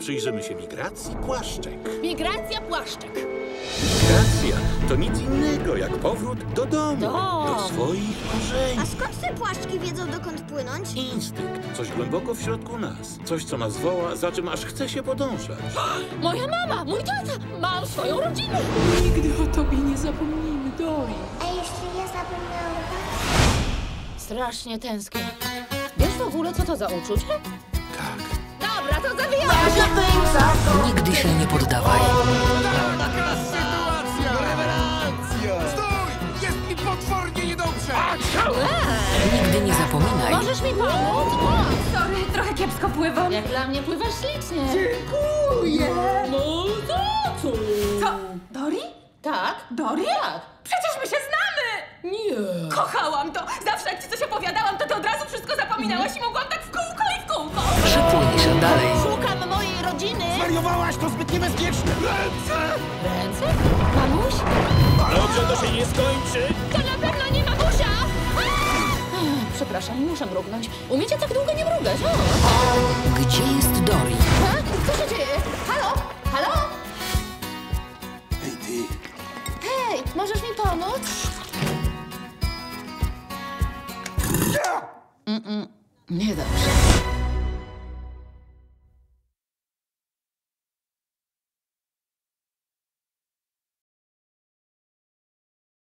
przyjrzymy się migracji płaszczek. Migracja płaszczek. Migracja to nic innego jak powrót do domu, do swoich korzeni. A skąd te płaszczki wiedzą, dokąd płynąć? Instynkt, coś głęboko w środku nas. Coś, co nas woła, za czym aż chce się podążać. Moja mama, mój tata, mam swoją rodzinę. Nigdy o tobie nie zapomnimy, Dory. A jeśli ja zapomniałam? Strasznie tęsknię. Wiesz w ogóle, co to za uczucie? Tak. Dobra, to zabijamy! Nigdy się nie poddawaj. Taka sytuacja! Rewelacja! Stój! Jest mi potwornie niedobrze! Nigdy nie zapominaj. Możesz mi pomóc? Sorry, trochę kiepsko pływam. Jak dla mnie pływasz ślicznie. Dziękuję. No to co? Co? Dory? Tak? Dory? Tak. Przecież my się znamy! Nie. Kochałam to! Zawsze jak ci coś opowiadałam, to ty od razu wszystko zapominałaś i mogłam tak w kółko i w kółko! Przypłyń się dalej. Szukam mojej rodziny. Wariowałaś, to zbyt niebezpieczne! Ręce! Ręce? Mamuś? Dobrze to się nie skończy. To na pewno nie mamusia! Przepraszam, muszę mrugnąć. Umiecie tak długo nie mrugać? Gdzie jest Dory? Co się dzieje? Halo? Halo? Hej ty! Hej, możesz mi pomóc? Niedobrze.